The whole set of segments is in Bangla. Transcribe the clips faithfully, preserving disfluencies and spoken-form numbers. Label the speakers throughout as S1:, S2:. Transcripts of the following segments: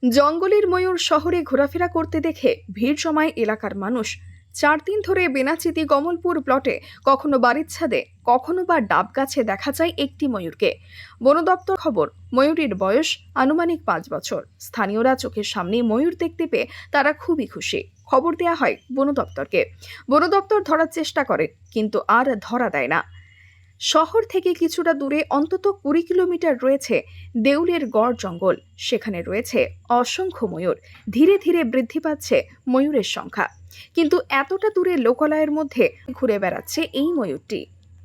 S1: জঙ্গলের ময়ূর শহরে ঘোরাফেরা করতে দেখে ভিড় জমায় এলাকার মানুষ। চার দিন ধরে বেনাচিতি কমলপুর প্লটে কখনো বাড়ির ছাদে কখনো বা ডাব গাছে দেখা যায় একটি ময়ূরকে। বন দপ্তর খবর, ময়ূরীর বয়স আনুমানিক পাঁচ বছর। স্থানীয়রা চোখের সামনে ময়ূর দেখতে পেয়ে তারা খুবই খুশি। খবর দেয়া হয় বন দপ্তরকে। বন দপ্তর ধরার চেষ্টা করে, কিন্তু আর ধরা দেয় না। শহর থেকে কিছুটা দূরে অন্তত কুড়ি কিলোমিটার রয়েছে দেউলের গড় জঙ্গল। সেখানে রয়েছে অসংখ্য ময়ূর। ধীরে ধীরে বৃদ্ধি পাচ্ছে ময়ূরের সংখ্যা, কিন্তু এতটা দূরে লোকালয়ের মধ্যে ঘুরে বেড়াচ্ছে এই ময়ূরটি।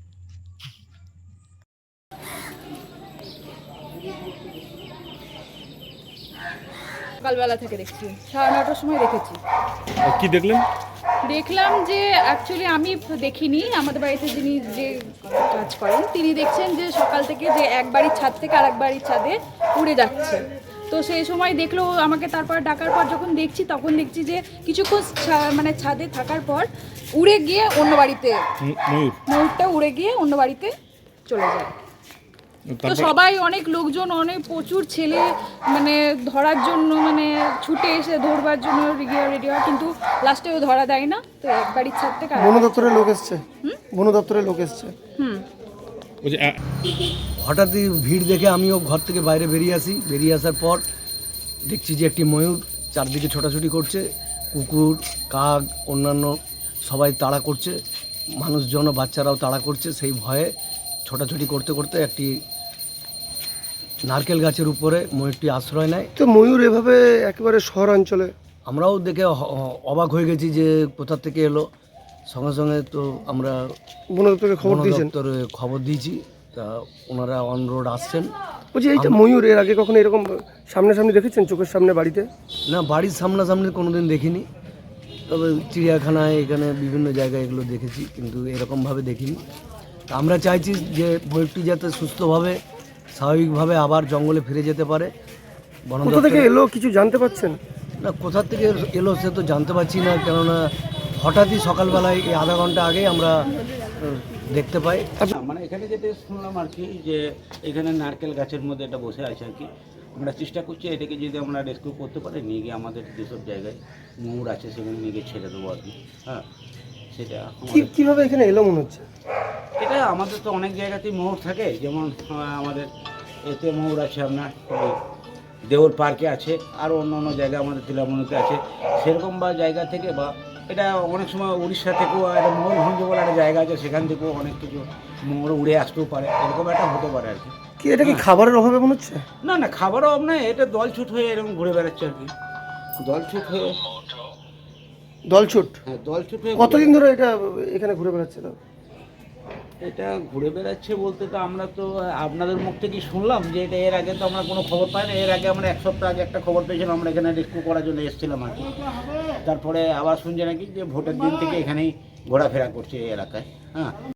S2: সকালবেলা থেকে দেখছি, সাড়ে নটার সময় দেখেছি।
S3: কি দেখলেন?
S2: দেখলাম যে অ্যাকচুয়ালি আমি দেখিনি, আমাদের বাড়িতে যিনি যে কাজ করেন তিনি দেখছেন যে সকাল থেকে যে এক বাড়ির ছাদ থেকে আর এক বাড়ির ছাদে উড়ে যাচ্ছে। তো সেই সময় দেখলো আমাকে, তারপর ডাকার পর যখন দেখছি তখন দেখছি যে কিছুক্ষণ মানে ছাদে থাকার পর উড়ে গিয়ে অন্য বাড়িতে
S3: ময়ূর
S2: ময়ূরটা উড়ে গিয়ে অন্য বাড়িতে চলে যায়। তো সবাই, অনেক লোকজন, অনেক প্রচুর ছেলে মানে ধরার জন্য মানে ছুটে এসে ধরবার জন্য রেডি রেডি হয়, কিন্তু লাস্টেও ধরা দেয় না। তো এক বাড়ির ছাদ থেকে
S4: বন দপ্তরের লোক এসছে বন দপ্তরের লোক এসছে
S2: হুম
S5: হঠাৎই ভিড় দেখে আমিও ঘর থেকে বাইরে বেরিয়ে আসি। বেরিয়ে আসার পর দেখছি যে একটি ময়ূর চারদিকে ছোটাছুটি করছে। কুকুর, কাক, অন্যান্য সবাই তাড়া করছে, মানুষজন, বাচ্চারাও তাড়া করছে। সেই ভয়ে ছোটাছুটি করতে করতে একটি নারকেল গাছের উপরে ময়ূরটি আশ্রয় নেয়।
S4: তো ময়ূর এভাবে একেবারে শহরাঞ্চলে,
S5: আমরাও দেখে অবাক হয়ে গেছি যে কোথা থেকে এলো। সঙ্গে সঙ্গে তো আমরা
S4: বন দপ্তরকে খবর
S5: বন
S4: দিয়েছেন?
S5: দপ্তরে খবর দিয়েছি, তা ওনারা অন রোড আসছেন।
S4: বলছি, এইটা ময়ূর এর আগে কখনো এরকম সামনাসামনি দেখেছেন, চোখের সামনে বাড়িতে?
S5: না, বাড়ির সামনাসামনি কোনোদিন দেখিনি, তবে চিড়িয়াখানায় এখানে বিভিন্ন জায়গায় এগুলো দেখেছি, কিন্তু এরকমভাবে দেখিনি। তা আমরা চাইছি যে ময়ূরটি যাতে সুস্থভাবে স্বাভাবিকভাবে আবার জঙ্গলে ফিরে যেতে পারে। বন
S4: কোথা থেকে
S5: দপ্তরে-
S4: এলো কিছু জানতে পারছেন?
S5: না, কোথা থেকে এলো সে তো জানতে পারছি না, কেননা হঠাৎই সকালবেলায় এই আধা ঘন্টা আগেই আমরা আহ, দেখতে পাই।
S6: মানে এখানে যেটা শুনলাম আর কি, যে এখানে নারকেল গাছের মধ্যে এটা বসে আছে আর কি। আমরা চেষ্টা করছি এটাকে যদি আমরা রেস্কিউ করতে পারি, নিয়ে গিয়ে আমাদের যেসব জায়গায় ময়ূর আছে সেখানে নিয়ে গিয়ে ছেড়ে দেবো আর কি। হ্যাঁ, সেটা আমাদের-
S4: কিভাবে এখানে এলো মনে হচ্ছে?
S6: এটা আমাদের তো অনেক জায়গাতেই ময়ূর থাকে, যেমন আহ, আমাদের এতে ময়ূর আছে, আপনার ওই দেওল পার্কে আছে, আর অন্য অন্য জায়গায় আমাদের তিলামণিতে আছে। সেরকম বা জায়গা থেকে, বা এটা অনেক সময় উড়িষ্যা থেকেও একটা ময়ূরভঞ্জ বলে একটা জায়গা আছে, সেখান থেকেও অনেক কিছু ময়ূর উড়ে আসতেও পারে, এরকম একটা হতে পারে আর কি।
S4: কি এটা কি খাবারের অভাবে মনে হচ্ছে?
S6: না না, খাবারও অভাব নয়, এটা দলছুট হয়ে এরকম ঘুরে বেড়াচ্ছে আর কি। দলছুট হয়ে
S4: দলছুট?
S6: হ্যাঁ, দলছুট হয়ে
S4: কতদিন ধরে এটা এখানে ঘুরে বেড়াচ্ছে? না,
S6: এটা ঘুরে বেড়াচ্ছে বলতে তো আমরা তো আপনাদের মুখ থেকেই শুনলাম যে এটা, এর আগে তো আমরা কোনো খবর পাই না। এর আগে আমরা এক সপ্তাহ আগে একটা খবর পেয়েছিলাম, আমরা এখানে রেস্কিউ করার জন্য এসেছিলাম আর কি। তারপরে আবার শুনছে নাকি যে ভোটের দিন থেকে এখানেই ঘোরাফেরা করছে এই এলাকায়। হ্যাঁ।